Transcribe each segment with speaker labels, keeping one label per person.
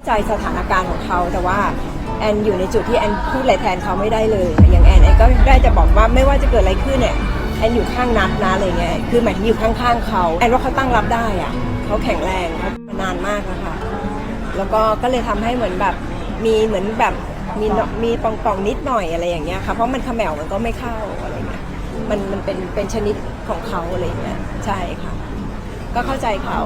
Speaker 1: ใจสถานการณ์ของเขาแต่ว่าแอนอยู่ในจุดที่แอนพูดอะไรแทนเขาไม่ได้เลยอย่างแอนก็ได้จะบอกว่าไม่ว่าจะเกิดอะไรขึ้นเนี่ยแอนอยู่ข้างนัดนะอะไรเงี้ยคือหมายถึงอยู่ข้างๆเขาแอนว่าเขาตั้งรับได้อะเขาแข็งแรงเขามานานมากแล้วค่ะแล้วก็เลยทำให้เหมือนแบบมีเหมือนแบบมีป่องๆนิดหน่อยอะไรอย่างเงี้ยค่ะเพราะมันเขม่ามันก็ไม่เข้าอะไรเงี้ยมันเป็นชนิดของเขาอะไรเงี้ยใช่ค่ะก็เข้าใจเขา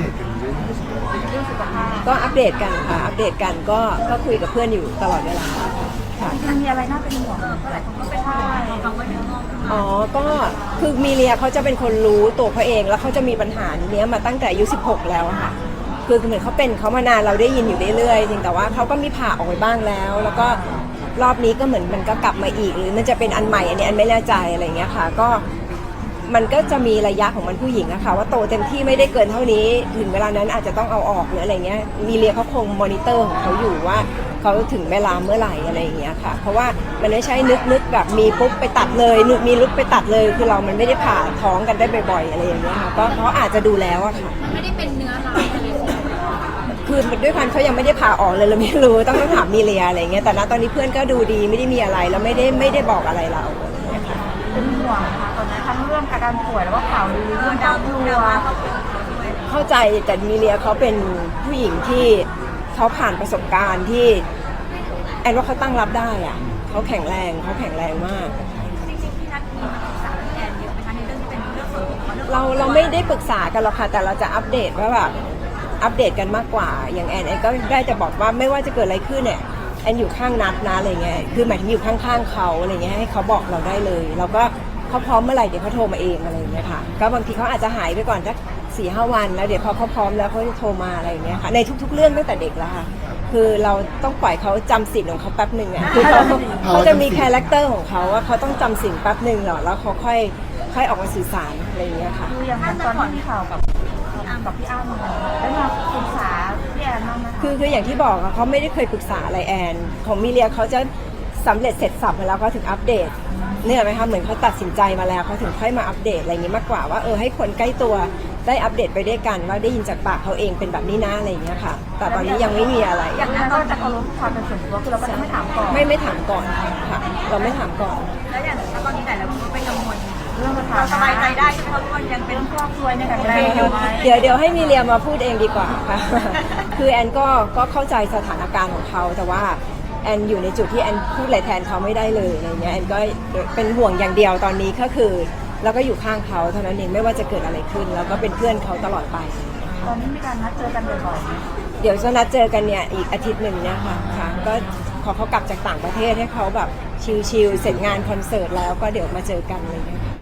Speaker 1: ก็อัปเดตกันค่ะอัปเดตกันก็คุยกับเพื่อนอยู่ตลอดเวลาค่ะ
Speaker 2: มันมีอะไรน่าเป็นห่วงก็หลายคนก็เป็นห่วงเขาว่าเนื้องอก
Speaker 1: ก็คือมีเลียเขาจะเป็นคนรู้ตัวเขาเองแล้วเขาจะมีปัญหาเนี้ยมาตั้งแต่อายุ16แล้วค่ะคือเหมือนเขาเป็นเขามานานเราได้ยินอยู่เรื่อยๆจริงแต่ว่าเขาก็มีผ่าออกไปบ้างแล้วก็รอบนี้ก็เหมือนมันก็กลับมาอีกหรือมันจะเป็นอันใหม่อันนี้อันไม่แน่ใจอะไรเงี้ยค่ะก็มันก็จะมีระยะของมันผู้หญิงอะค่ะว่าโตเต็มที่ไม่ได้เกินเท่านี้ถึงเวลานั้นอาจจะต้องเอาออกหรืออะไรเงี้ยมีเลียเขาคงมอนิเตอร์ของเขาอยู่ว่าเขาถึงเวลาเมื่อไหร่อะไรอย่างเงี้ยค่ะเพราะว่ามันไม่ใช่นึกแบบมีปุ๊บไปตัดเลยมีลุกไปตัดเลยคือเรามันไม่ได้ผ่าท้องกันได้บ่อยๆอะไรอย่างเงี้ยค่ะก็เขาอาจจะดูแล้วอะค่ะ
Speaker 2: ไม่ได้เป็นเนื้อร้ายอะไร
Speaker 1: คือด้วยความเขายังไม่ได้ผ่าออกเลยเราไม่รู้ต้องถามมีเลียอะไรเงี้ยแต่ณตอนนี้เพื่อนก็ดูดีไม่ได้มีอะไรแล้วไม่ได้บอกอะไรเรา
Speaker 2: เป็นห่วงนะคะตอนนั้นทั้งเรื่องอาการป่วยแล้วก็ข่าวลือเรื่องดาวดัว
Speaker 1: เข้าใจแต่มีเลียเขาเป็นผู้หญิงที่เขาผ่านประสบการณ์ที่แอนว่าเขาตั้งรับได้อะเขาแข็งแรงมาก
Speaker 2: จริงๆพี่นัทมีมาปรึกษาแอนเยอะไหมคะในเรื่องที่เป็นเรื่องส่วนตัว
Speaker 1: เราไม่ได้ปรึกษากันหรอกค่ะแต่เราจะอัปเดตว่าแบบอัปเดตกันมากกว่าอย่างแอนก็ได้จะบอกว่าไม่ว่าจะเกิดอะไรขึ้นเนี่ยแอนอยู่ข้างนัดนะอะไรเงี้ยคือหมายถึงอยู่ข้างๆเขาอะไรเงี้ยให้เขาบอกเราได้เลยเราก็เขาพร้อมเมื่อไหร่เดี๋ยวเขาโทรมาเองอะไรเงี้ยค่ะก็บางทีเขาอาจจะหายไปก่อนสัก4-5 วันแล้วเดี๋ยวพอเขาพร้อมแล้วเขาจะโทรมาอะไรเงี้ยค่ะในทุกๆเรื่องตั้งแต่เด็กแล้วค่ะคือเราต้องปล่อยเขาจำสิ่งของเขาแป๊บหนึ่งอ่ะคือเขาจะมีคาแรคเตอร์ของเขาว่าเขาต้องจำสิ่งแป๊บหนึ่งหรอแล้วเขาค่อยออกมาสื่อสารอะไรเงี้ยค่ะ
Speaker 2: คืออย่างตอนที่มีข่าวกับพี่อ้ำได้มาปรึกษาพี่แอนบ้างไหมคะ
Speaker 1: คืออย่างที่บอกเขาไม่ได้เคยปรึกษาอะไรแอนของมิเลียเขาจะสำเร็จเสร็จสับมาแล้วก็ถึงอัปเดตเนี่ยไหมคะเหมือนเขาตัดสินใจมาแล้วเขาถึงค่อยมาอัปเดตอะไรอย่างนี้มากกว่าว่าให้คนใกล้ตัวได้อัปเดตไปด้วยกันว่าได้ยินจากปากเขาเองเป็นแบบนี้นะอะไรอย่างเงี้ยค่ะแต่ตอนนี้ยังไม่มีอะไร
Speaker 2: อย่างนั้นก็จะเคารพความเป็นส่วนตัวคือเราก็จะไม่ถามก่อน
Speaker 1: ไม่ถามก่อนค่ะเราไม่ถามก่อน
Speaker 2: แล้วอย่างตอนนี้แต่ละคนเป็นกังวลเรื่องเราสบายใจได้ใช่ไหมคะว่ายังเป็นครอบครัวในการแรงอยู่ไหม
Speaker 1: เดี๋ยวให้มิเลียมาพูดเองดีกว่าค่ะคือแอนก็เข้าใจสถานการณ์ของเขาแต่ว่าแอนอยู่ในจุดที่แอนพูดอะไรแทนเขาไม่ได้เลยอะไรเงี้ยแอนก็เป็นห่วงอย่างเดียวตอนนี้ก็คือแล้วก็อยู่ข้างเขาเท่านั้นเองไม่ว่าจะเกิดอะไรขึ้นแล้วก็เป็นเพื่อนเขาตลอดไป
Speaker 2: ตอนนี้มีการนัดเจอกันบ่อย
Speaker 1: ๆเดี๋ยวจะนัดเจอกันเนี่ยอีกอาทิตย์หนึ่งเนี่ยค่ะก็ขอเขากลับจากต่างประเทศให้เขาแบบชิลๆเสร็จงานคอนเสิร์ตแล้วก็เดี๋ยวมาเจอกันเลยนะคะ